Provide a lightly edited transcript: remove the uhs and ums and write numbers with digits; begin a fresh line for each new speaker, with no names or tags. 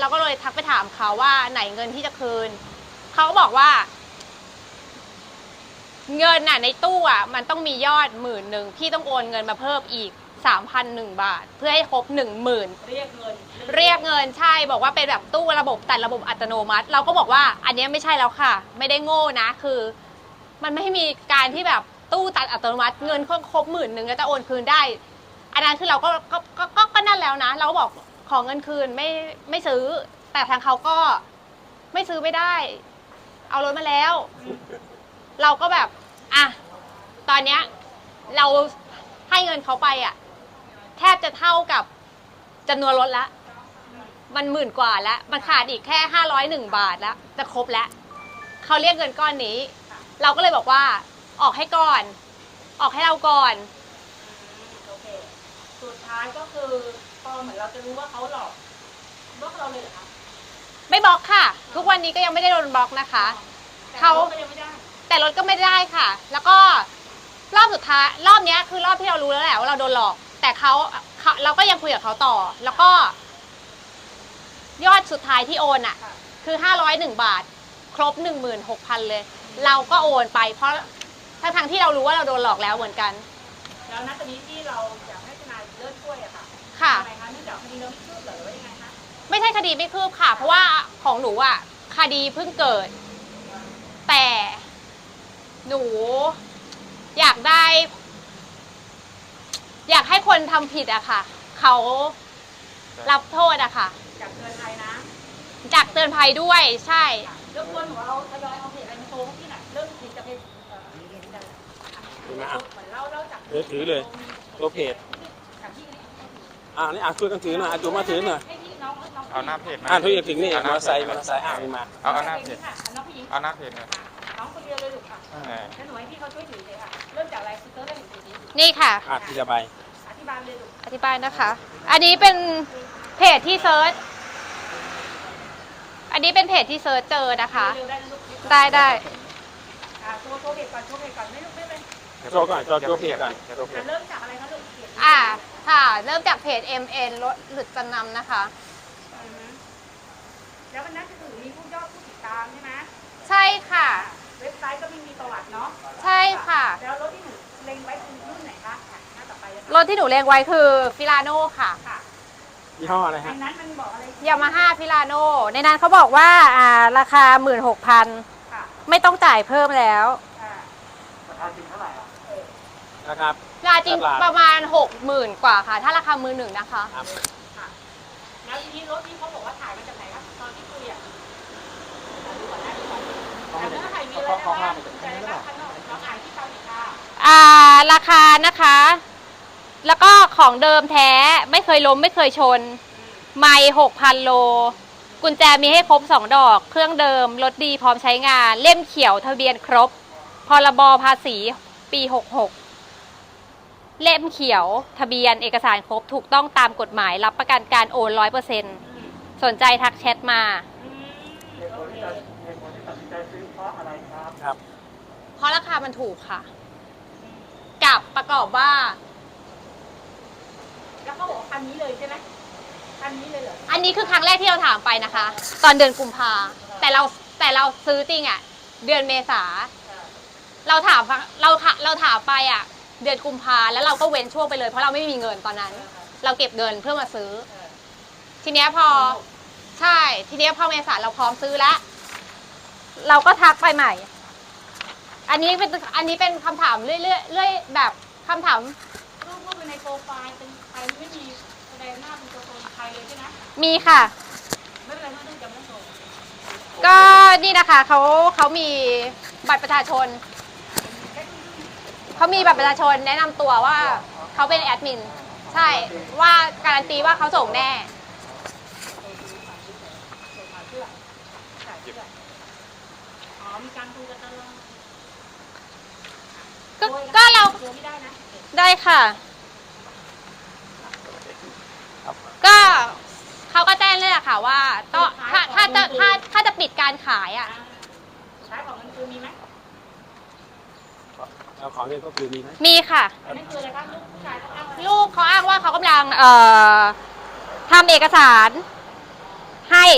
เราก็เลยทักไปถามเขาว่าไหนเงินที่จะคืนเขาก็บอกว่าเงินน่ะในตู้อ่ะมันต้องมียอด10,000พี่ต้องโอนเงินมาเพิ่มอีก3,001 บาทเพื่อให้ครบ10,000เรียกเงินใช่บอกว่าเป็นแบบตู้ระบบแต่ระบบอัตโนมัติเราก็บอกว่าอันนี้ไม่ใช่แล้วค่ะไม่ได้โง่นะคือมันไม่มีการที่แบบตู้ตัดอัตโนมัติเงินครบ10,000แล้วจะโอนคืนได้อันนั้นคือเราก็นั่นแล้วนะเราก็บอกขอเงินคืนไม่ซื้อแต่ทางเขาก็ไม่ซื้อไม่ได้เอารถมาแล้วเราก็แบบอ่ะตอนเนี้ยเราให้เงินเขาไปอ่ะแทบจะเท่ากับจำนวนรถละมัน10,000 กว่าแล้วมันขาดอีกแค่501 บาทแล้วจะครบแล้วเขาเรียกเงินก้อนนี้เราก็เลยบอกว่าออกให้ก่อนออกให้เราก่อน
โอเคสุดท้ายก็คือพอเหมือนเราจะรู้ว่าเขาหลอกบล็อกเราเลยเหรอคะ
ไม่บล็อกค่ะทุกวันนี้ก็ยังไม่ได้โดนบล็อกนะคะเขาแต่รถก็ไม่ได้ค่ะแล้วก็รอบสุดท้ายรอบนี้คือรอบที่เรารู้แล้วแหละว่าเราโดนหลอกแต่เราก็ยังคุยกับเขาต่อแล้วก็ยอดสุดท้ายที่โอนอ่ะคือ501 บาทครบ 16,000 เลยเราก็โอนไปเพราะทั้งที่เรารู้ว่าเราโดนหลอกแล้วเหมือนกัน
แล้วณตอนนี้ที่เราอยากให้ทนายเลิกช่วยอะค่ะ
ค่ะ
ทำไมคะเนื่องจากคดีเราไม่คืบหรือว่ายังไงคะ
ไม่ใช่คดีไม่คืบค่ะเพราะว่าของหนูอ่ะคดีเพิ่งเกิดแต่หนูอยากให้คนทำผิดอะค่ะเขารับโทษอะค่ะ
อยากเตือนภัยนะ
อยากเตือนภัยด้วยใช่
รบกวนหนูเอาทยอยเอาเพจอะไรมาโชว์ที่ไหนเริ่มผิดจะเป็นเหมือนเล่าจาก
ถือเลยตัวเพจนี่ช่วยกันถือหน่อยจูมาถือหน่อย
เอาหน้าเพจ
ทุกอย่างถึงนี่มาใส่มามา
เอาหน้าเพจเอาหน้าเพจเนี่ย
น้องคนเดียวเลยลูกค่ะแล้วหนูให้พี่เขาช่วยถือเลยค่ะเริ่มจากอะไรคือเริ่มจากจุดนี้
นี่ค่ะ
อธิบาย
เลยลูก
อธิบายนะคะอันนี้เป็นเพจที่เซิร์ชอันนี้เป็นเพจที่เซิร์ชเจอนะคะได้
โชว์เพจก่อนไม่ลูกไม่เป็น
โชว์ก่อนโชว์เพจก่อน
เริ่มจากอะไรคะลูก
ค่ะเริ่มจากเพจ MN รถหลุดจำนำนะคะ
แล้วมันน่าจะถือมีผู้ยอดผู้ติดตามใช่ไหม
ใช่ค่ะ
เว็บไซต์ก็มีประวัติเนาะ
ใช่ค่ะ
แล้วรถที่หนูเล็งไว้คือรุ่นไหนคะหน้าต่อไป
รถที่หนูเล็งไว้คือฟิลาโน่ค่ะ
ยี่ห้ออะไรฮะ
ในนั้นมันบอกอะไร
ยามาฮ่าฟิลาโน่ในนั้นเขาบอกว่าราคา 16,000ไม่ต้องจ่ายเพิ่มแล้ว
ราคาจริงเท่าไหร่นะครับ
ราคาจริงประมาณ 60,000 กว่าค่ะถ้าราคามือหนึ่งนะคะ
แล้วทีนี้รถที่เขาบอกว่าถ่ายมาจากไหนครับตอนที่คุยอ่ะแล้วถ่ายมีอะไรบ้างใจอะไรบ้างข้างนอกเราถ่ายที่เตาผิดค่ะ
ราคานะคะแล้วก็ของเดิมแท้ไม่เคยล้มไม่เคยชนไมล์ 6,000 โลกุญแจมีให้ครบ2 ดอกเครื่องเดิมรถดีพร้อมใช้งานเล่มเขียวทะเบียนครบพรบภาษีปี66เล่มเขียวทะเบียนเอกสารครบถูกต้องตามกฎหมายรับประกันการโอน 100% สนใจทักแชทมาเพราะราคามันถูกค่ะกับประกอบว่า
แล้วเขาบอกคันนี้เลยใช่ไหมคันนี้เลยเหรอ
อันนี้คือครั้งแรกที่เราถามไปนะคะตอนเดือนกุมภาแต่เราซื้อจริงอ่ะเดือนเมษาเราถามไปอ่ะเดือนกุมภาแล้วเราก็เว้นช่วงไปเลยเพราะเราไม่มีเงินตอนนั้นเราเก็บเงินเพื่อมาซื้อทีเนี้ยพอใช่ทีเนี้ยพอเมษาเราพร้อมซื้อแล้วเราก็ทักไปใหม่อันนี้เป็นคำถามเรื่อยแบบคำถาม
รูปในโปรไฟล์เป็นใครไม่มีแสดงหน้าเป็นตัวตนใครเลยใช่ไหม
มีค่ะ
ไม่เป็นไรไม่ต้องจำไม่ส่ง
ก็นี่นะคะเขามีบัตรประชาชนเขามีบัตรประชาชนแนะนำตัวว่าเขาเป็นแอดมินใช่ว่าการันตีว่าเขาส่งแน่
มีการคุยกันตลอด
ก็เราได้ค่ะก็เขาก็แจ้งเลยค่ะว่าต้องถ้าจะปิดการขายอ่ะ
ใช้ของเงินคืนมีไหม
เอาของเงินก็คือมีไหม
มีค่ะ
นั่นคืออะไรคะลูกผู้ชายเขาอ้าง
ลูกเขาอ้างว่าเขากำลังทำเอกสารให้